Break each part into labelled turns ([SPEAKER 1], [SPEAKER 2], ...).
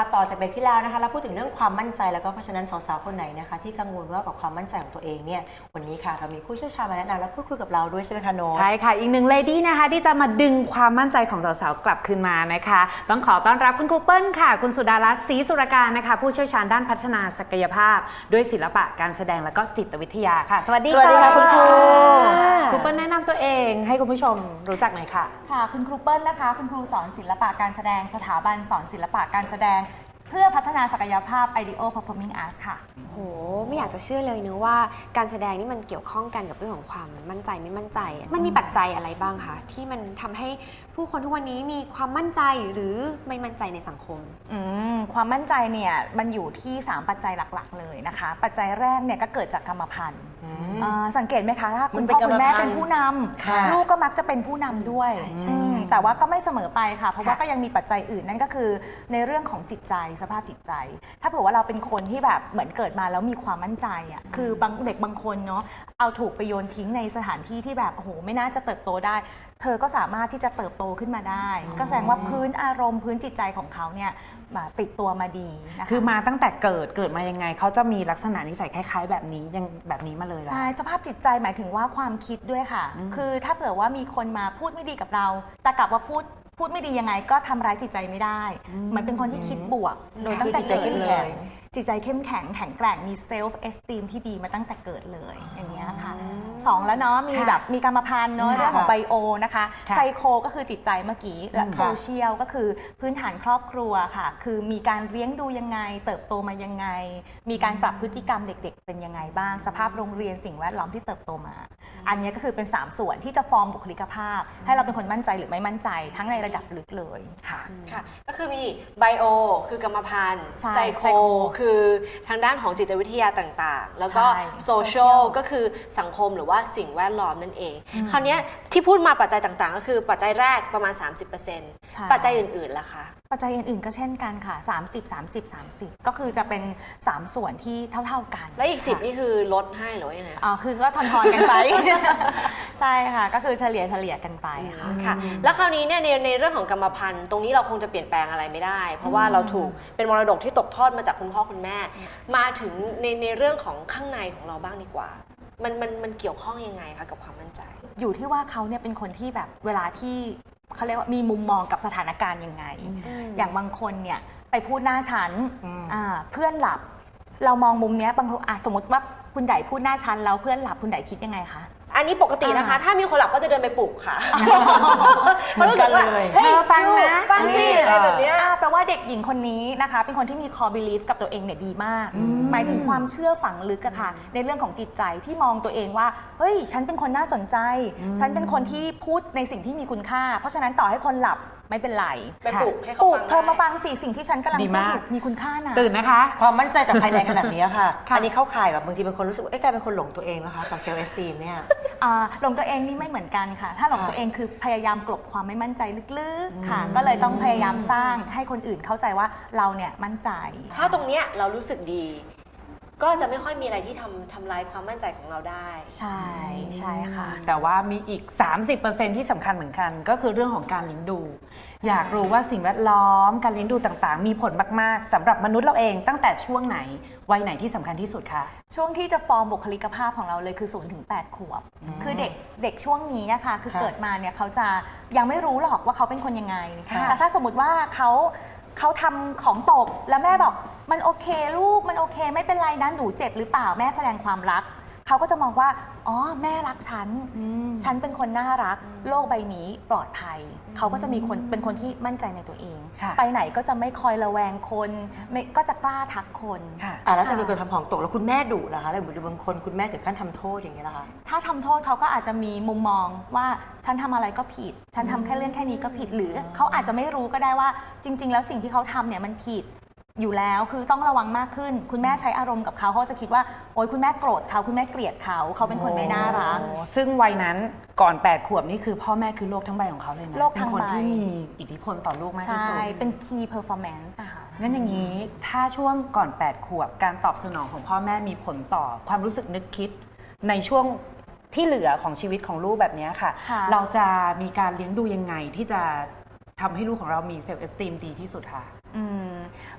[SPEAKER 1] ต่อจากเบรกที่แล้วนะคะเราพูดถึงเรื่องความมั่นใจแล้วก็เพราะฉะนั้นสาวๆคนไหนนะคะที่กังวลว่ากับความมั่นใจของตัวเองเนี่ยวันนี้ค่ะเรามีผู้เชี่ยวชาญมาแนะนำและพูดคุยกับเราด้วยใช่ไหมคะโน้ต
[SPEAKER 2] ใช่ค่ะอีกหนึ่งเลดี้นะคะที่จะมาดึงความมั่นใจของสาวๆกลับคืนมานะคะต้องขอต้อนรับคุณครูเปิ้ลค่ะคุณสุดารัตน์ศรีสุรการนะคะผู้เชี่ยวชาญด้านพัฒนาศักยภาพด้วยศิลปะการแสดงและก็จิตวิทยาค่ะสวัสดีค่ะคุณครูครูเปิ้ลแนะนำตัวเองให้คุณผู้ชมรู้จักหน่อยค่ะ
[SPEAKER 3] ค่ะคุณครูเปิ้ลนะคะคุณครูสอนศิลปะการแสดงสถาบันสอนศิลปะการแสดงเพื่อพัฒนาศักยภาพ IDEO Performing Arts ค่ะ
[SPEAKER 4] โหไม่อยากจะเชื่อเลยเนอะว่าการแสดงนี่มันเกี่ยวข้องกันกับเรื่องของความมั่นใจไม่มั่นใจมันมีปัจจัยอะไรบ้างคะที่มันทำให้ผู้คนทุกวันนี้มีความมั่นใจหรือไม่มั่นใจในสังคม
[SPEAKER 3] ความมั่นใจเนี่ยมันอยู่ที่3ปัจจัยหลักๆเลยนะคะปัจจัยแรกเนี่ยก็เกิดจากกรรมพันธุ์สังเกตไหมคะถ้าคุณพ่อคุณแม่เป็นผู้นำลูกก็มักจะเป็นผู้นำด้วยแต่ว่าก็ไม่เสมอไปค่ะเพราะว่าก็ยังมีปัจจัยอื่นนั่นก็คือในเรื่องของจิตใจสภาพจิตใจถ้าเผื่อว่าเราเป็นคนที่แบบเหมือนเกิดมาแล้วมีความมั่นใจอ่ะคือบางเด็กบางคนเนาะเอาถูกไปโยนทิ้งในสถานที่ที่แบบโอ้โหไม่น่าจะเติบโตได้เธอก็สามารถที่จะเติบโตขึ้นมาได้ก็แสดงว่าพื้นอารมณ์พื้นจิตใจของเขาเนี่ยติดตัวมาดีนะคะ
[SPEAKER 2] คือมาตั้งแต่เกิดมายังไงเขาจะมีลักษณะนิสัยคล้ายๆแบบนี้ยังแบบนี้มาเลยล่ะ
[SPEAKER 3] ใช่สภาพจิตใจหมายถึงว่าความคิดด้วยค่ะคือถ้าเผื่อว่ามีคนมาพูดไม่ดีกับเราแต่กลับว่าพูดไม่ดียังไงก็ทำร้ายจิตใจไม่ได้มันเป็นคนที่คิดบวกโดยตั้งแต่เกิดเลยจิตใจเข้มแข็งแข็งแกร่งมีเซลฟ์เอสติมที่ดีมาตั้งแต่เกิดเลยอย่างเงี้ยค่ะ2แล้วเนาะมีแบบมีกรรมพันธุ์เนาะเรื่องของไบโอนะคะไซโคก็คือจิตใจเมื่อกี้และโซเชียลก็คือพื้นฐานครอบครัวค่ะคือมีการเลี้ยงดูยังไงเติบโตมายังไงมีการปรับพฤติกรรมเด็กๆเป็นยังไงบ้างสภาพโรงเรียนสิ่งแวดล้อมที่เติบโตมาอันนี้ก็คือเป็น3ส่วนที่จะฟอร์มบุคลิกภาพให้เราเป็นคนมั่นใจหรือไม่มั่นใจทั้งในระดับลึกเลยค่ะ
[SPEAKER 5] ก็คือมีไบโอคือกรรมพันธุ์ไซโคคือทางด้านของจิตวิทยาต่างๆแล้วก็โซเชียลก็คือสังคมหรือว่าสิ่งแวดล้อมนั่นเองคราวนี้ที่พูดมาปัจจัยต่างๆก็คือปัจจัยแรกประมาณ 30% ปัจจัยอื่นๆล่ะคะ
[SPEAKER 3] ปัจจัยอื่นๆก็เช่นกันค่ะ30 ก็คือจะเป็น3ส่วนที่เท่าๆกัน
[SPEAKER 5] และอีก10นี่คือลดให้หรือว่ายังไง
[SPEAKER 3] คือก็ทอนๆกันไป ใช่ค่ะก็คือเฉลี่ยกันไป
[SPEAKER 5] ค่ะแล้วคราวนี้เนี่ยในเรื่องของกรรมพันธุ์ตรงนี้เราคงจะเปลี่ยนแปลงอะไรไม่ได้เพราะว่าเราถูกเป็นมรดกที่ตกทอดมาจากคุณพ่อคุณแม่มาถึงในเรื่องของข้างในของเราบ้างดีกว่ามันเกี่ยวข้องยังไงคะกับความมั่นใจ
[SPEAKER 3] อยู่ที่ว่าเขาเนี่ยเป็นคนที่แบบเวลาที่เขาเรียกว่ามีมุมมองกับสถานการณ์ยังไงอย่างบางคนเนี่ยไปพูดหน้าชั้นเพื่อนหลับเรามองมุมเนี้ยบางทีสมมติว่าคุณไดพูดหน้าชั้นแล้วเพื่อนหลับคุณไดคิดยังไงคะ
[SPEAKER 5] อันนี้ปกตินะคะถ้ามีคนหลับก็จะเดินไปปลุกค่ะ
[SPEAKER 2] มันรู้สึกว่า
[SPEAKER 3] เฮ้ยฟังนะฟังสิอะไรแบบนี้แปลว่าเด็กหญิงคนนี้นะคะเป็นคนที่มี core belief กับตัวเองเนี่ยดีมากหมายถึงความเชื่อฝังลึกอะค่ะในเรื่องของจิตใจที่มองตัวเองว่าเฮ้ยฉันเป็นคนน่าสนใจฉันเป็นคนที่พูดในสิ่งที่มีคุณค่าเพราะฉะนั้นต่อให้คนหลับไม่เป็นไร
[SPEAKER 5] ไปปลุกให้เขาฟัง
[SPEAKER 3] เธอมาฟังสิ่งที่ฉันกำลังพูดอยู่มีคุณค่านะ
[SPEAKER 2] ตื่นนะคะ
[SPEAKER 1] ความมั่นใจจากภายในขนาดนี้ค่ะอันนี้เข้าข่ายแบบบางทีเป็นคนรู้สึกว่ากลายเป็นคนหลงตัวเองนะคะกับเซลล์เอสตีมเนี่ย
[SPEAKER 3] หลงตัวเองนี่ไม่เหมือนกันค่ะถ้าหลงตัวเองคือพยายามกลบความไม่มั่นใจลึกๆค่ะก็เลยต้องพยายามสร้างให้คนอื่นเข้าใจว่าเราเนี่ยมั่นใจ
[SPEAKER 5] ถ้าตรงเนี้ยเรารู้สึกดีก็จะไม่ค่อยมีอะไรที่ทำลายความมั่นใจของเราได้
[SPEAKER 3] ใช่ค่ะ
[SPEAKER 2] แต่ว่ามีอีก 30% ที่สำคัญเหมือนกันก็คือเรื่องของการเลี้ยงดูอยากรู้ว่าสิ่งแวดล้อมการเลี้ยงดูต่างๆมีผลมากๆสำหรับมนุษย์เราเองตั้งแต่ช่วงไหนวัยไหนที่สำคัญที่สุดคะ
[SPEAKER 3] ช่วงที่จะฟอร์มบุคลิกภาพของเราเลยคือ0 ถึง 8 ขวบคือเด็กช่วงนี้นะคะคือเกิดมาเนี่ยเขาจะยังไม่รู้หรอกว่าเขาเป็นคนยังไงแต่ถ้าสมมติว่าเขาทำของตกแล้วแม่บอกมันโอเคลูกมันโอเคไม่เป็นไรนะหนูเจ็บหรือเปล่าแม่แสดงความรักเขาก็จะมองว่าอ๋อแม่รักฉันเป็นคนน่ารักโลกใบนี้ปลอดภัยเขาก็จะเป็นคนที่มั่นใจในตัวเองไปไหนก็จะไม่คอยระแวงคนก็จะกล้าทักคน
[SPEAKER 1] แล้วถ้าเกิดทำของตกแล้วคุณแม่ดุนะคะหรือบางคนคุณแม่ถึงขั้นทำโทษอย่างนี้นะคะ
[SPEAKER 3] ถ้าทำโทษเขาก็อาจจะมีมุมมองว่าฉันทำอะไรก็ผิดฉันทำแค่เรื่องแค่นี้ก็ผิดหรือเขาอาจจะไม่รู้ก็ได้ว่าจริงๆแล้วสิ่งที่เขาทำเนี่ยมันผิดอยู่แล้วคือต้องระวังมากขึ้นคุณแม่ใช้อารมณ์กับเขาเขาจะคิดว่าโอ๊ยคุณแม่โกรธเขาคุณแม่เกลียดเขาเป็นคนไม่น่ารัก
[SPEAKER 2] ซึ่งวัยนั้นก่อน8 ขวบนี่คือพ่อแม่คือโลกทั้งใบของเขาเลยนะเป็นคนที่มีอิทธิพลต่อลูกมากที่สุด
[SPEAKER 3] ใช่เป็น key performance ค่ะ
[SPEAKER 2] งั้นอย่างนี้ถ้าช่วงก่อน8 ขวบการตอบสนองของพ่อแม่มีผลต่อความรู้สึกนึกคิดในช่วงที่เหลือของชีวิตของลูกแบบนี้ค่ะเราจะมีการเลี้ยงดูยังไงที่จะทำให้ลูกของเรามีเซลฟ์เอสติมดีที่สุดค่ะ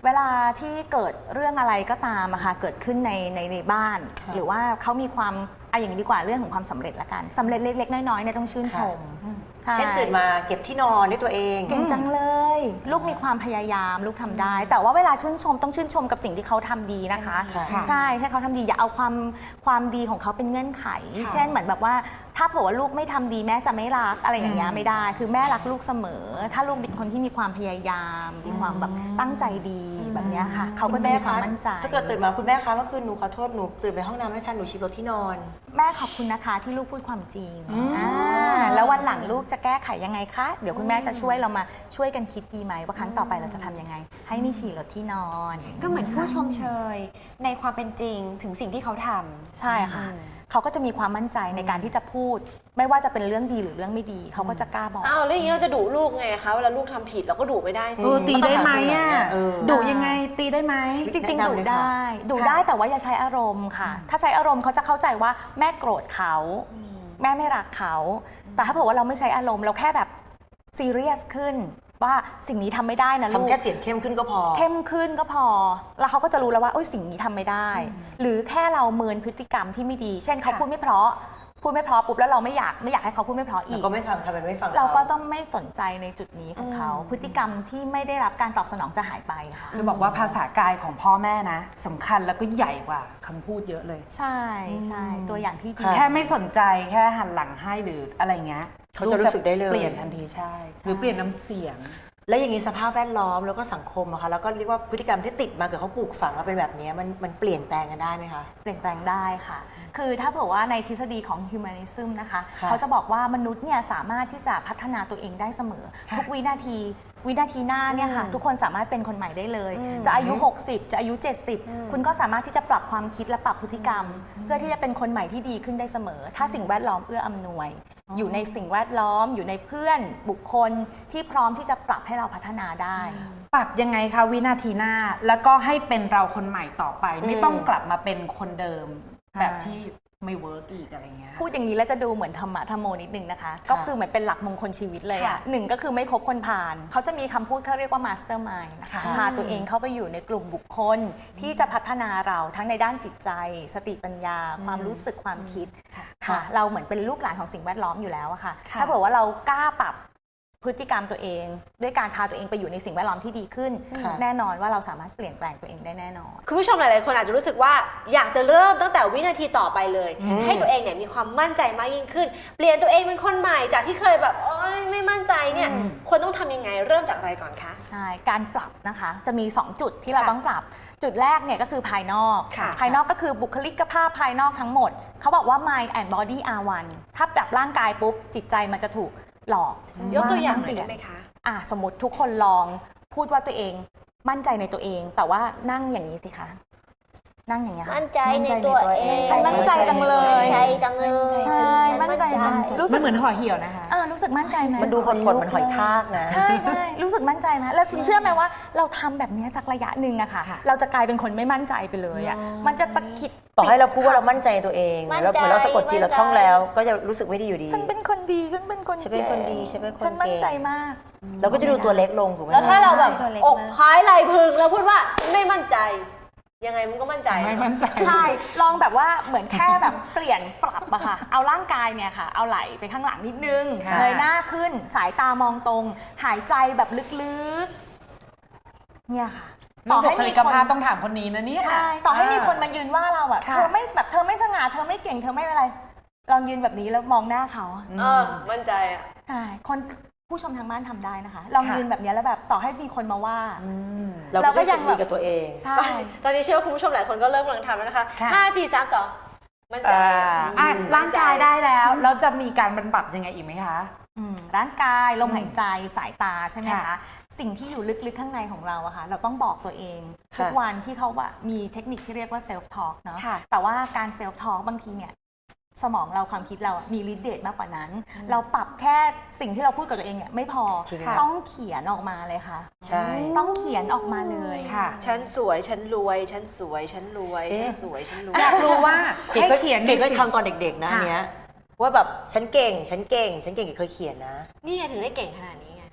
[SPEAKER 3] เวลาที่เกิดเรื่องอะไรก็ตามอะค่ะเกิดขึ้นในบ้าน
[SPEAKER 1] ค่ะ
[SPEAKER 3] หรือว่าเขามีความอย่างนี้ดีกว่าเรื่องของความสำเร็จละกันสำเร็จเล็กๆน้อยๆเนี่ยต้องชื่นชมใช่
[SPEAKER 1] เช่นตื่นมาเก็บที่นอนด้วยตัวเอง
[SPEAKER 3] เก่งจังเลย ลูกมีความพยายามลูกทำได้ แต่ว่าเวลาชื่นชมต้องชื่นชมกับสิ่งที่เขาทำดีนะคะ
[SPEAKER 1] ค่ะ
[SPEAKER 3] ใช่ให้เขาทำดีอย่าเอาความดีของเขาเป็นเงื่อนไข เช่นเหมือนแบบว่าถ้าเผื่อว่าลูกไม่ทำดีแม่จะไม่รักอะไรอย่างเงี้ยไม่ได้ คือแม่รักลูกเสมอ ถ้าลูกเป็นคนที่มีความพยายามมีความแบบตั้งใจดีแบบเนี้ยค่ะเขาก็จะมีความมั่นใจ
[SPEAKER 1] ถ้าเกิดตื่นมาคุณแม่คะเมื่อคืนหนูขอโทษหนูตื่นไปห้องน้ำไม่ทันหนูฉีกรถที่นอน
[SPEAKER 3] แม่ขอบคุณนะคะที่ลูกพูดความจริงแล้ววันหลังลูกจะแก้ไขยังไงคะเดี๋ยวคุณแม่จะช่วยเรามาช่วยกันคิดดีไหมว่าครั้งต่อไปเราจะทำยังไง ให้ไม่ฉี่รถที่นอน
[SPEAKER 4] ก็เหมือนผู้ชมเชยในความเป็นจริงถึงสิ่งที่เขาทำ
[SPEAKER 3] ใช่ค่ะเขาก็จะมีความมั่นใจในการที่จะพูด ไม่ว่าจะเป็นเรื่องดีหรือเรื่องไม่ดีเขาก็จะกล้าบอก
[SPEAKER 5] อ้าวแล้วอย่างนี้เราจะดุลูกไงคะเวลาลูกทำผิดเราก็ดุไม่ได้สิ
[SPEAKER 2] ตีได้ไหมอ่ะ
[SPEAKER 1] เออ
[SPEAKER 2] ดุยังไงตีได้ไหม
[SPEAKER 3] จริง
[SPEAKER 1] แนะ
[SPEAKER 3] ๆ
[SPEAKER 1] นำ
[SPEAKER 3] ดู
[SPEAKER 1] เลย
[SPEAKER 3] ได้
[SPEAKER 1] ค่ะ
[SPEAKER 3] ดูได้แต่ว่าอย่าใช้อารมณ์ค่ะ ถ้าใช้อารมณ์เขาจะเข้าใจว่าแม่โกรธเขาแม่ไม่รักเขาแต่ถ้าเผื่อว่าเราไม่ใช้อารมณ์เราแค่แบบซีเรียสขึ้นว่าสิ่งนี้ทำไม่ได้นะลูก
[SPEAKER 1] ทำแค่เสียงเข้มขึ้นก็พอ
[SPEAKER 3] เข้มขึ้นก็พอ แล้วเขาก็จะรู้แล้วว่าโอ้ยสิ่งนี้ทำไม่ได้ หรือแค่เราเมินพฤติกรรมที่ไม่ดี เช่นเขาพูดไม่เพราะปุ๊บแล้วเราไม่อยากให้เขาพูดไม่เพราะอี
[SPEAKER 1] แล้ว
[SPEAKER 3] ก
[SPEAKER 1] ก็ไม่ฟังทำเป็นไม่ฟัง
[SPEAKER 3] เราก็ต้องไม่สนใจในจุดนี้ของเขา พฤติกรรมที่ไม่ได้รับการตอบสนองจะหายไปค่ะ
[SPEAKER 2] จะบอกว่าภาษากายของพ่อแม่นะสำคัญแล้วก็ใหญ่กว่าคำพูดเยอะเลย
[SPEAKER 3] ใช่ตัวอย่างที่ดี
[SPEAKER 2] แค่ไม่สนใจแค่หันหลังให้หรืออะไรเงี้ย
[SPEAKER 1] เขาจะรู้สึกได้เลย
[SPEAKER 2] เปลี่ยนทันทีใช่ หรือเปลี่ยนน้ำเสียง
[SPEAKER 1] แล้วอย่างนี้สภาพแวดล้อมแล้วก็สังคมอะคะแล้วก็เรียกว่าพฤติกรรมที่ติดมาเกิดเขาปลูกฝังมาเป็นแบบนี้มันเปลี่ยนแปลงกันได้ไหมคะ
[SPEAKER 3] เปลี่ยนแปลงได้ค่ะ คือถ้าเผื่อว่าในทฤษฎีของ humanism นะคะ
[SPEAKER 1] ค่ะ
[SPEAKER 3] เขาจะบอกว่ามนุษย์เนี่ยสามารถที่จะพัฒนาตัวเองได้เสมอ ทุกวินาทีหน้าเนี่ยค่ะ ทุกคนสามารถเป็นคนใหม่ได้เลย จะอายุ 60 จะอายุ 70 คุณก็สามารถที่จะปรับความคิดและปรับพฤติกรรม เพื่อที่จะเป็นคนใหม่ที่ดีขึ้นได้เสมอ ถ้าสิ่งแวดล้อมเอื้ออำนวย อยู่ในสิ่งแวดล้อม อยู่ในเพื่อนบุคคลที่พร้อมที่จะปรับให้เราพัฒนาได้
[SPEAKER 2] ปรับยังไงคะวินาทีหน้าแล้วก็ให้เป็นเราคนใหม่ต่อไป ไม่ต้องกลับมาเป็นคนเดิม แบบที่ไม่เวิร์กอีกอะไรเงี้ย
[SPEAKER 3] พูดอย่างนี้แล้วจะดูเหมือนธรรมะธรรมโมนิดนึงนะคะ ก็คือเหมือนเป็นหลักมงคลชีวิตเลยอ่ะหนึ่งก็คือไม่คบคนผ่าน เขาจะมีคำพูดเขาเรียกว่ามาสเตอร์มายน์นะคะ
[SPEAKER 1] ค่ะ
[SPEAKER 3] พาตัวเองเข้าไปอยู่ในกลุ่มบุคคลที่จะพัฒนาเราทั้งในด้านจิตใจ สติปัญญา ความรู้สึกความคิดค่ะ เราเหมือนเป็นลูกหลานของสิ่งแวดล้อมอยู่แล้วอะค่ะ ถ้าเผื่อว่าเรากล้าปรับพฤติกรรมตัวเอง ด้วยการพาตัวเองไปอยู่ในสิ่งแวดล้อมที่ดีขึ้น
[SPEAKER 1] ค่ะ
[SPEAKER 3] แน่นอนว่าเราสามารถเปลี่ยนแปลงตัวเองได้แน่นอน
[SPEAKER 5] คุณผู้ชมหลายๆคนอาจจะรู้สึกว่าอยากจะเริ่มตั้งแต่วินาทีต่อไปเลย ให้ตัวเองเนี่ยมีความมั่นใจมากยิ่งขึ้น เปลี่ยนตัวเองเป็นคนใหม่จากที่เคยแบบโอ๊ยไม่มั่นใจเนี่ยควรต้องทำยังไงเริ่มจากอะไรก่อนคะ
[SPEAKER 3] ใช่ การปรับนะคะจะมี 2 จุดที่เราต้องปรับ จุดแรกเนี่ยก็คือภายนอก
[SPEAKER 5] ค่ะ
[SPEAKER 3] ภายนอกก็คือบุคลิกภาพภายนอกทั้งหมด เขาบอกว่า mind and body are one ถ้าแบบร่างกายปุ๊บ จิตใจมันจะถูกหลอก
[SPEAKER 5] ยกตัวอย่างหน่
[SPEAKER 3] ต้
[SPEAKER 5] อย
[SPEAKER 3] เปลี่
[SPEAKER 5] ได้ไหมคะ
[SPEAKER 3] สมมติทุกคนลองพูดว่าตัวเองมั่นใจในตัวเอง แต่ว่านั่งอย่างนี้สิคะ นั่งอย่างเงี้ยค่ะ
[SPEAKER 6] มั่นใจในตัวเอง
[SPEAKER 3] ฉันมั่นใจจังเลย
[SPEAKER 6] มั่นใจจังเลย
[SPEAKER 3] ใช่มั่นใจจังรู้สึ
[SPEAKER 2] มั
[SPEAKER 3] ก
[SPEAKER 2] นเหมือนห่อเหี่ยวนะคะ
[SPEAKER 3] รู้สึกมั่นใจไหม
[SPEAKER 1] มันดูขดๆเหมันหอยทากนะ
[SPEAKER 3] ใช่ใช่รู้สึกมั่นใจไหมแล้วคุณเชื่อไหมว่าเราทำแบบนี้สักระยะหนึ่งอะค่ะ เราจะกลายเป็นคนไม่มั่นใจไปเลยอะมันจะตะกิด
[SPEAKER 1] ต่อให้เราพูดว่าเรามั่นใจในตัวเอง
[SPEAKER 6] มั่นใจ
[SPEAKER 1] แล้วเหมือนเราสะกดจิตเราท่องแล้ว ก็จะรู้สึกไม่ดีอยู่ดี
[SPEAKER 3] ฉันเป็นคนดีฉันเป็นคน
[SPEAKER 1] ฉันเป็นคนดีฉันเป็นคนเก่ง
[SPEAKER 3] ฉันมั่นใจมาก
[SPEAKER 1] เราก็จะดูตัวเล็กลงถูกไหม
[SPEAKER 5] แล้วถ้า
[SPEAKER 1] คะ
[SPEAKER 5] เราแบบ
[SPEAKER 4] ตัวเล็ก
[SPEAKER 5] อ
[SPEAKER 4] มาก
[SPEAKER 5] กพายไหลพึงแล้วพูดว่าฉันไม่มั่นใจ ยังไงมันก็มั่นใจ
[SPEAKER 2] ไม่มั่นใจ
[SPEAKER 3] ใช่ลองแบบว่าเหมือนแค่แบบเปลี่ยนปรับอะค่ะ เอาร่างกายเนี่ยค่ะ เอาไหล่ไปข้างหลังนิดนึง
[SPEAKER 2] ค่ะ
[SPEAKER 3] เงยหน้าขึ้นสายตามองตรง หายใจแบบลึกๆเนี่ยค่ะ
[SPEAKER 2] ต่อให้บุคลิกภาพต้องถามคนนี้นะเนี่ย
[SPEAKER 3] ใช่ต่อให้มีคนมายืนว่าเราอะ
[SPEAKER 2] ค่ะ
[SPEAKER 3] เธอไม่สง่าเธอไม่เก่งเธอไม่อะไร ลองยืนแบบนี้แล้วมองหน้าเขา
[SPEAKER 5] มั่นใจอ่ะ
[SPEAKER 3] ใช่คนผู้ชมทางบ้านทำได้นะคะ ลองยืนแบบนี้แล้วแบบต่อให้มีคนมาว่า
[SPEAKER 1] เรา
[SPEAKER 3] เราก็
[SPEAKER 1] ก็
[SPEAKER 3] ยั
[SPEAKER 1] ยัง ง
[SPEAKER 3] แบบ
[SPEAKER 1] ดีกับตัวเอง
[SPEAKER 3] ใช่
[SPEAKER 5] ตอนนี้เชื่อว่าคุณผู้ชมหลายคนก็เริ่มกำลังทำแล้วนะคะ
[SPEAKER 2] ค่ะ
[SPEAKER 5] 5 4 3 2 มั่นใจ
[SPEAKER 2] ร่างกายได้แล้วเราจะมีการบรรบัดยังไงอีกไหมคะ
[SPEAKER 3] ร่างกายลมหายใจสายตาใช่ไหมคะ
[SPEAKER 2] ค่ะ
[SPEAKER 3] สิ่งที่อยู่ลึกๆข้างในของเราอะค่ะเราต้องบอกตัวเอง
[SPEAKER 1] ค่ะ
[SPEAKER 3] ทุกวันที่เขาว่ามีเทคนิคที่เรียกว่า self talk เนาะ
[SPEAKER 4] ค่ะ
[SPEAKER 3] แต่ว่าการ self talk บางทีเนี่ยสมองเราความคิดเราอะมีฤทธิ์เดชมากกว่านั้น เราปรับแค่สิ่งที่เราพูดกับตัวเองเนี่ยไม่พอ
[SPEAKER 1] จริงค่ะ
[SPEAKER 3] ต้องเขียนออกมาเลยค่ะ
[SPEAKER 1] ใช่
[SPEAKER 3] ต้องเขียนออกมาเลย
[SPEAKER 2] ค่ะ
[SPEAKER 5] ฉันสวยฉันรวยฉันสวยฉันรวย
[SPEAKER 1] เอ๊ะ
[SPEAKER 5] ฉันสวยฉันรวย
[SPEAKER 2] อยากรู้ว่า
[SPEAKER 1] เก๋
[SPEAKER 2] ให้
[SPEAKER 1] ก็
[SPEAKER 2] เขียน
[SPEAKER 1] เก๋ก็
[SPEAKER 2] สิ
[SPEAKER 1] ทำตอนเด็กๆนะอันเนี้ยว่าแบบฉันเก่งเก๋เคยเขียนนะ
[SPEAKER 5] นี่ไงถึงได้เก่งขนาดนี้ไง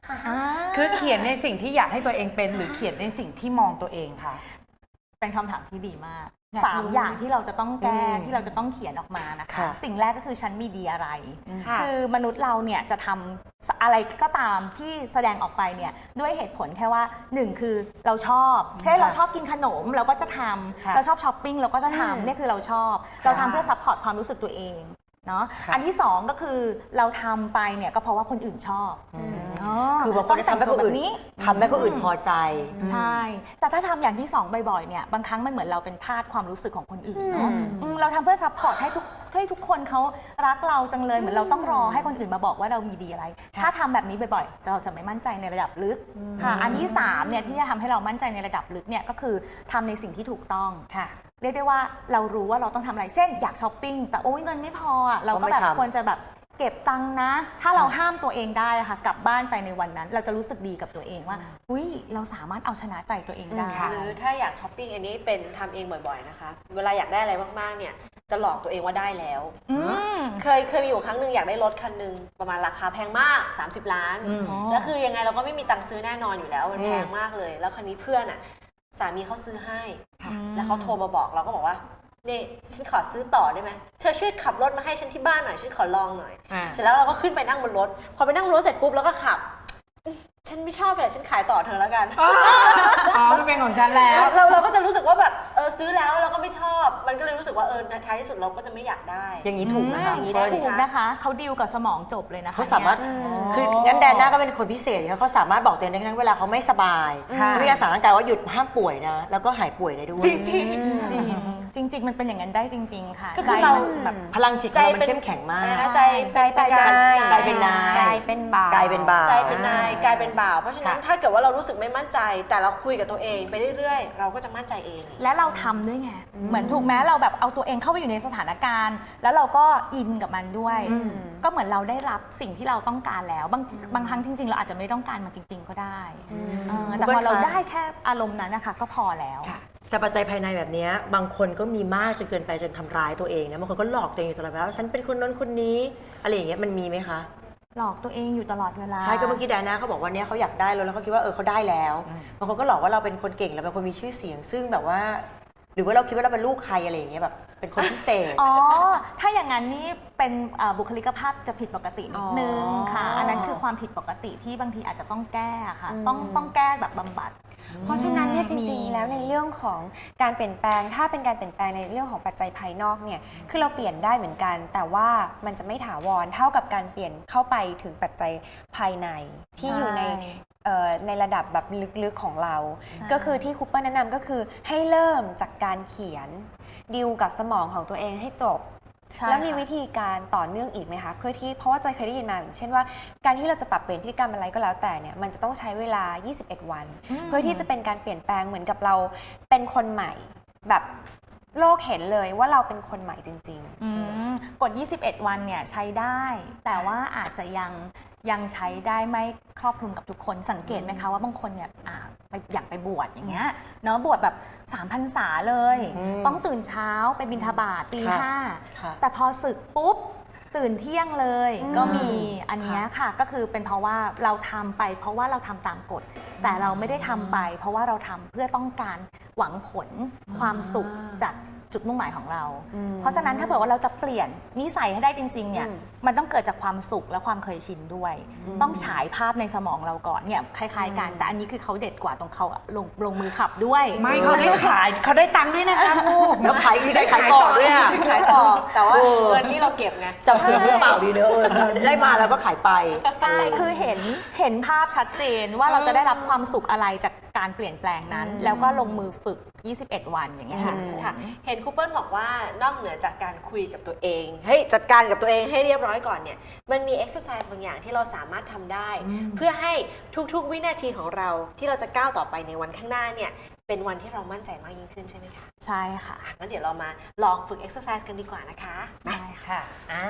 [SPEAKER 2] คือเขียนในสิ่งที่อยากให้ตัวเองเป็นหรือเขียนในสิ่งที่มองตัวเองคะ
[SPEAKER 3] เป็นคำถามที่ดีมาก
[SPEAKER 2] อยากรู้
[SPEAKER 3] 3 อย่างที่เราจะต้องแก้
[SPEAKER 1] อืม
[SPEAKER 3] ที่เราจะต้องเขียนออกมานะคะ
[SPEAKER 1] ค่ะ
[SPEAKER 3] สิ่งแรกก็คือฉันมีดีอะไร
[SPEAKER 5] ค่ะ
[SPEAKER 3] คือมนุษย์เราเนี่ยจะทำอะไรก็ตามที่แสดงออกไปเนี่ยด้วยเหตุผลแค่ว่า 1 คือเราชอบเช่นเราชอบกินขนมเราก็จะท
[SPEAKER 2] ค่ะ
[SPEAKER 3] ำเราชอบช้อปปิ้งเราก็จะทำเนี่ยคือเราชอบ เราทำเพื่อซัพพอร์ตความรู้สึกตัวเองเนาะ
[SPEAKER 1] ค่ะ
[SPEAKER 3] อันที่ 2 ก็คือเราทำไปเนี่ยก็เพราะว่าคนอื่นชอบ
[SPEAKER 1] คือบางคนทำให้คนอื่น
[SPEAKER 3] นี้
[SPEAKER 1] ทำให้คนอื่นพอใจ
[SPEAKER 3] ใช่ แต่ถ้าทำอย่างที่2บ่อยๆ เนี่ย บางครั้งมันเหมือนเราเป็นทาสความรู้สึกของคนอื่นเนาะเราทำเพื่อซัพพอร์ตให้ทุกคนเขารักเราจังเลย เหมือนเราต้องรอให้คนอื่นมาบอกว่าเรามีดีอะไร ถ้าทำแบบนี้บ่อยๆ เราจะไม่มั่นใจในระดับลึกค่ะ อันที่3เนี่ยที่จะทำให้เรามั่นใจในระดับลึกเนี่ยก็คือทำในสิ่งที่ถูกต้อง
[SPEAKER 2] ค่ะ
[SPEAKER 3] เรียกได้ว่าเรารู้ว่าเราต้องทำอะไร เช่นอยากช้อปปิ้ง แต่โอ้ยเงินไม่พออะเราก็แบบ
[SPEAKER 1] ก็ไม่ทำ
[SPEAKER 3] ควรจะแบบเก็บตังค์นะ ถ้าเราห้ามตัวเองได้อะค่ะ กลับบ้านไปในวันนั้น เราจะรู้สึกดีกับตัวเองว่า อุ้ยเราสามารถเอาชนะใจตัวเองได้
[SPEAKER 5] หรือถ้าอยากช้อปปิ้งอันนี้เป็นทำเองบ่อยๆนะคะ เวลาอยากได้อะไรมากๆเนี่ยจะหลอกตัวเองว่าได้แล้ว เคยมีอยู่ครั้งหนึ่งอยากได้รถคันหนึ่งประมาณราคาแพงมาก 30 ล้าน แล้วคือยังไงเราก็ไม่มีตังค์ซื้อแน่นอนอยู่แล้วมันแพงมากเลย แล้วคันนี้เพื่อนอ่ะสามีเขาซื้อให้ แล้วเขาโทรมาบอกเราก็บอกว่านี่ฉันขอซื้อต่อได้ไหมเธอช่วยขับรถมาให้ฉันที่บ้านหน่อยฉันขอลองหน่อย เสร็จแล้วเราก็ขึ้นไปนั่งบนรถพอไปนั่งบนรถเสร็จปุ๊บแล้วก็ขับ ฉันไม่ชอบเลยฉันขายต่อเธอแล้วกัน
[SPEAKER 2] อ๋อมันเป็นของฉันแล้ว
[SPEAKER 5] เราก็จะรู้สึกว่าแบบซื้อแล้วเราก็ไม่ชอบ มันก็เลยรู้สึกว่าท้ายที่สุดเราก็จะไม่อยากได้
[SPEAKER 1] อย่างนี้ถูกนะคะ
[SPEAKER 5] อย่างนี้ได้
[SPEAKER 1] เปิ้ล
[SPEAKER 3] ถูกนะคะเขาดีลกับสมองจบเลยนะคะ
[SPEAKER 1] เขาสามารถ
[SPEAKER 3] เนี่ย
[SPEAKER 1] คืองั้นแดนน่าก็เป็นคนพิเศษเขาสามารถบอกตัวเองได้ทั้งเวลาเขาไม่สบาย
[SPEAKER 2] ค่ะ
[SPEAKER 1] เขามีการสั่งร่างกายว่าหยุดห้ามป่วยนะ แล้วก็หายป่วยได้ด้วย
[SPEAKER 3] จริงมันเป็นอย่างนั้นได้จริง ๆ ค่ะ
[SPEAKER 5] ก็คือเรา
[SPEAKER 3] ใจมันแบบ
[SPEAKER 1] พลังจิตเรามันเข้มแข็งมาก
[SPEAKER 5] ใจ
[SPEAKER 1] ใจเป็นนาย
[SPEAKER 4] กลายเป็นบ่าว
[SPEAKER 1] กลายเป็นบ่าว
[SPEAKER 5] ใจเป็นนายกลายเป็นบ่าวเพราะฉะนั้นถ้าเกิดว่าเรารู้สึกไม่มั่นใจ แต่เราคุยกับตัวเองไปเรื่อยๆ เราก็จะมั่นใจเอง
[SPEAKER 3] และเราทำด้วยไง เหมือนถูกไหมเราแบบเอาตัวเองเข้าไปอยู่ในสถานการณ์ แล้วเราก็อินกับมันด้วย ก็เหมือนเราได้รับสิ่งที่เราต้องการแล้ว บางครั้งจริงๆ เราอาจจะไม่ต้องการมันจริง ๆ ก็ได้แต่พอเราได้แค่อารมณ์นั้นนะคะก็พอแล้ว
[SPEAKER 1] แต่ปัจจัยภายในแบบนี้บางคนก็มีมากจนเกินไปจนทำร้ายตัวเองนะบางคนก็หลอกตัวเองอยู่ตลอดเวลาว่าฉันเป็นคนนั้นคนนี้อะไรอย่างเงี้ยมันมีไหมคะ
[SPEAKER 3] หลอกตัวเองอยู่ตลอดเวลา
[SPEAKER 1] ใช่ก็เมื่อกี้แดน่าเขาบอกว่าเนี้ยเขาอยากได้แล้วเขาคิดว่าเขาได้แล้วบางคนก็หลอกว่าเราเป็นคนเก่งแล้วเป็นคนมีชื่อเสียง ซึ่งแบบว่า หรือว่าเราคิดว่าเราเป็นลูกใครอะไรอย่างเงี้ยแบบเป็นคนพิเศษ
[SPEAKER 3] อ๋อ ถ้าอย่างนั้นนี่เป็นบุคลิกภาพจะผิดปกตินิดนึงค่ะ อันนั้นคือความผิดปกติที่บางทีอาจจะต้องแก้ค่ะ ต้องแก้แบบบำบัด
[SPEAKER 4] เพราะฉะนั้นเนี่ยจ
[SPEAKER 3] มี
[SPEAKER 4] ริงๆ แล้วในเรื่องของการเปลี่ยนแปลงถ้าเป็นการเปลี่ยนแปลงในเรื่องของปัจจัยภายนอกเนี่ยคือเราเปลี่ยนได้เหมือนกัน แต่ว่ามันจะไม่ถาวรเท่ากับการเปลี่ยนเข้าไปถึงปัจจัยภายในที่อยู่ในระดับแบบลึกๆของเรา ก็คือที่คูเปอร์แนะนำก็คือให้เริ่มจากการเขียนดิวกับสมองของตัวเองให้จบ
[SPEAKER 3] ใช่
[SPEAKER 4] แล้วมี
[SPEAKER 3] ค่ะ
[SPEAKER 4] วิธีการต่อเนื่องอีกไหมคะเพื่อที่เพราะว่าจอยเคยได้ยินมาอย่างเช่นว่าการที่เราจะปรับเปลี่ยนพฤติกรรมอะไรก็แล้วแต่เนี่ยมันจะต้องใช้เวลา 21 วัน เพื่อที่จะเป็นการเปลี่ยนแปลงเหมือนกับเราเป็นคนใหม่ แบบโลกเห็นเลยว่าเราเป็นคนใหม่จริง
[SPEAKER 3] กด 21 วันเนี่ยใช้ได้ แต่ว่าอาจจะยังใช้ได้ไม่ครอบคลุมกับทุกคนสังเกตไหมคะว่าบางคนเนี่ยอยากไปบวชอย่างเงี้ยเนาะบวชแบบ3 พรรษาเลย ต้องตื่นเช้าไปบิณฑบาตตี
[SPEAKER 1] ค่ะ
[SPEAKER 3] 5แต่พอศึกปุ๊บตื่นเที่ยงเลย ก็มีอันเนี้ยค่ะก็คือเป็นเพราะว่าเราทำไปเพราะว่าเราทำตามกฎ แต่เราไม่ได้ทำไป เพราะว่าเราทำเพื่อต้องการหวังผลความสุขจากจุดมุ่งหมายของเรา เพราะฉะนั้นถ้าเผื่อว่าเราจะเปลี่ยนนิสัยให้ได้จริงๆเนี่ยมันต้องเกิดจากความสุขและความเคยชินด้วย ต้องฉายภาพในสมองเราก่อนเนี่ยคล้ายๆกันแต่อันนี้คือเขาเด็ดกว่าตรงเขาลงมือขับด้วย
[SPEAKER 2] ไม่เขาได้ขายเขาได้ตังค์ด้วยนะคะลูก
[SPEAKER 1] แล้วขายได้ขายต่อด้วยอะ
[SPEAKER 5] ขายต่อแต่ว่าเงินนี่เราเก็บไง
[SPEAKER 1] จับเสือมือเปล่าดีเนอะได้มาแล้วก็ขายไป
[SPEAKER 3] ใช่คือเห็นภาพชัดเจนว่าเราจะได้รับความสุขอะไรจากการเปลี่ยนแปลงนั้น แล้วก็ลงมือฝึก 21 วันอย่างเงี้ยค่ะ
[SPEAKER 5] ค่ะเห็นครูเปิ้ลบอกว่านอกเหนือจากการคุยกับตัวเองเฮ้ยจัดการกับตัวเองให้เรียบร้อยก่อนเนี่ยมันมี exercise บางอย่างที่เราสามารถทำได้ เพื่อให้ทุกๆวินาทีของเราที่เราจะก้าวต่อไปในวันข้างหน้าเนี่ยเป็นวันที่เรามั่นใจมากยิ่งขึ้นใช่ไหมคะ
[SPEAKER 3] ใช่ค่ะ
[SPEAKER 5] งั้นเดี๋ยวเรามาลองฝึก exercise กันดีกว่านะคะ
[SPEAKER 3] ได้ค่ะ
[SPEAKER 2] ค่ะ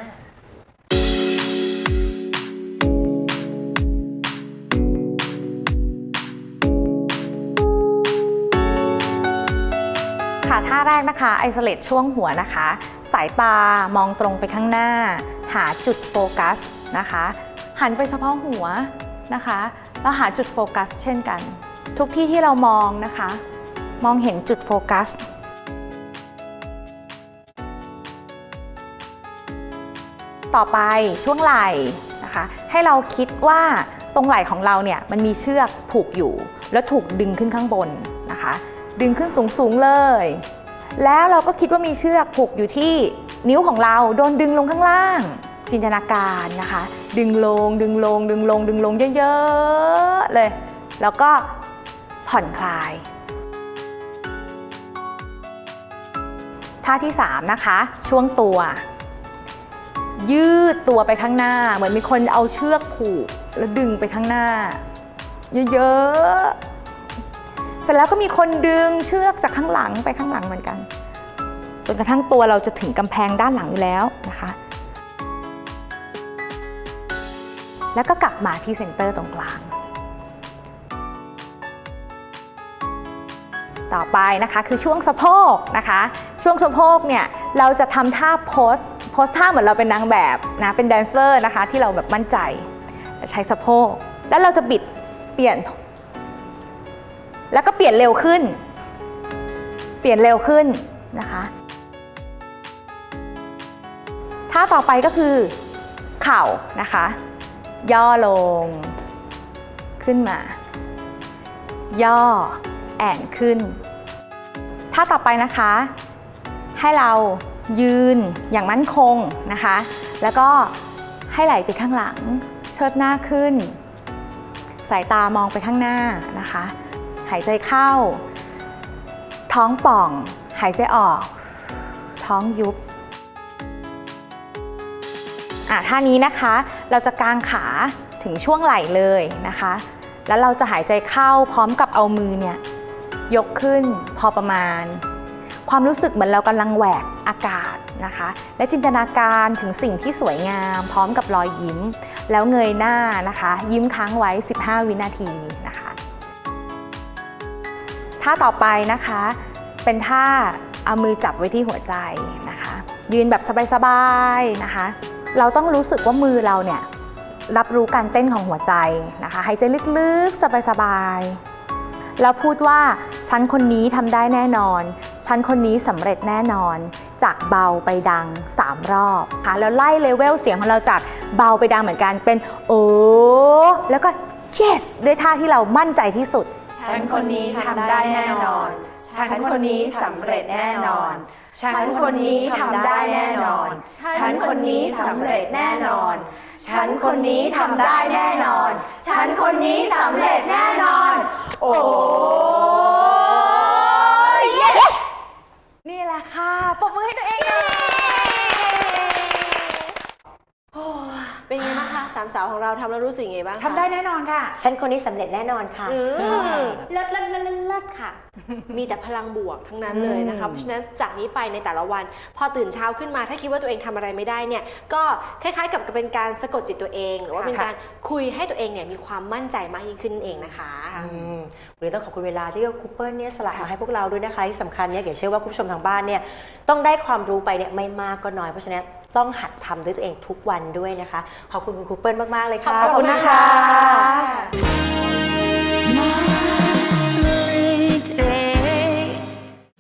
[SPEAKER 3] ค่ะท่าแรกนะคะไอโซเลตช่วงหัวนะคะ สายตามองตรงไปข้างหน้า หาจุดโฟกัสนะคะ หันไปเฉพาะหัวนะคะเราหาจุดโฟกัสเช่นกัน ทุกที่ที่เรามองนะคะ มองเห็นจุดโฟกัสต่อไปช่วงไหล่นะคะให้เราคิดว่าตรงไหล่ของเราเนี่ยมันมีเชือกผูกอยู่แล้วถูกดึงขึ้นข้างบนนะคะดึงขึ้นสูงๆเลยแล้วเราก็คิดว่ามีเชือกผูกอยู่ที่นิ้วของเราโดนดึงลงข้างล่างจินตนาการนะคะดึงลงดึงลงดึงลงดึงลงเยอะๆเลยแล้วก็ผ่อนคลายท่าที่3นะคะช่วงตัวยืดตัวไปข้างหน้าเหมือนมีคนเอาเชือกผูกแล้วดึงไปข้างหน้าเยอะๆเสร็จแล้วก็มีคนดึงเชือกจากข้างหลังไปข้างหลังเหมือนกันจนกระทั่งตัวเราจะถึงกำแพงด้านหลังอยู่แล้วนะคะแล้วก็กลับมาที่เซ็นเตอร์ตรงกลางต่อไปนะคะคือช่วงสะโพกนะคะช่วงสะโพกเนี่ยเราจะทำท่าโพสท่าเหมือนเราเป็นนางแบบนะเป็นแดนเซอร์นะคะที่เราแบบมั่นใจใช้สะโพกแล้วเราจะบิดเปลี่ยนแล้วก็เปลี่ยนเร็วขึ้นนะคะท่าต่อไปก็คือเข่านะคะย่อลงขึ้นมาย่อแอนขึ้นท่าต่อไปนะคะให้เรายืนอย่างมั่นคงนะคะแล้วก็ให้ไหล่ไปข้างหลังเชิดหน้าขึ้นสายตามองไปข้างหน้านะคะหายใจเข้าท้องป่องหายใจออกท้องยุบท่านี้นะคะเราจะกางขาถึงช่วงไหล่เลยนะคะแล้วเราจะหายใจเข้าพร้อมกับเอามือเนี่ยยกขึ้นพอประมาณความรู้สึกเหมือนเรากำลังแหวกอากาศนะคะและจินตนาการถึงสิ่งที่สวยงามพร้อมกับรอยยิ้มแล้วเงยหน้านะคะยิ้มค้างไว้15 วินาทีนะคะท่าต่อไปนะคะเป็นท่าเอามือจับไว้ที่หัวใจนะคะยืนแบบสบายๆนะคะเราต้องรู้สึกว่ามือเราเนี่ยรับรู้การเต้นของหัวใจนะคะหายใจลึกๆสบายๆแล้วพูดว่าฉันคนนี้ทำได้แน่นอนฉันคนนี้สำเร็จแน่นอนจากเบาไปดัง3 รอบค่ะแล้วไล่เลเวลเสียงของเราจากเบาไปดังเหมือนกันเป็นโอ้แล้วก็ yes ด้วยท่าที่เรามั่นใจที่สุด
[SPEAKER 2] ฉันคนนี้ทำได้แน่นอนฉันคนนี้สำเร็จแน่นอนฉันคนนี้ทำได้แน่นอนฉันคนนี้สำเร็จแน่นอนฉันคนนี้ทำได้แน่นอนฉันคนนี้สำเร็จแน่นอนโอ้ย yes
[SPEAKER 3] นี่แหละค่ะปรบมือให้ตัวเองเลย
[SPEAKER 5] เป็นไงบ้างคะสามสาวของเราทำแล้วรู้สึกยังไงบ้างคะ
[SPEAKER 2] ทำได้แน่นอนค่ะ
[SPEAKER 1] ฉันคนนี้สำเร็จแน่นอนค่ะ
[SPEAKER 4] เลิศค่ะ
[SPEAKER 5] มีแต่พลังบวกทั้งนั้นเลยนะคะเพราะฉะนั้นจากนี้ไปในแต่ละวันพอตื่นเช้าขึ้นมาถ้าคิดว่าตัวเองทำอะไรไม่ได้เนี่ยก็คล้ายๆกับเป็นการสะกดจิตตัวเองหรือว่าเป็นการคุยให้ตัวเองเนี่ยมีความมั่นใจมากยิ่งขึ้นเองนะคะ
[SPEAKER 1] วันนี้ต้องขอบคุณเวลาที่ครูเปิ้ลเนี่ยสละมาให้พวกเราด้วยนะคะที่สำคัญเนี่ยเชื่อว่าคุณผู้ชมทางบ้านเนี่ยต้องได้ความรู้ไปเนี่ยไม่มากก็น้อยเพราะฉะนั้นต้องหัดทำด้วยตัวเองทุกวันด้วยนะคะขอบคุณคุณครูเปิ้ลมากๆเลยค่ะ
[SPEAKER 2] ขอบคุณนะคะ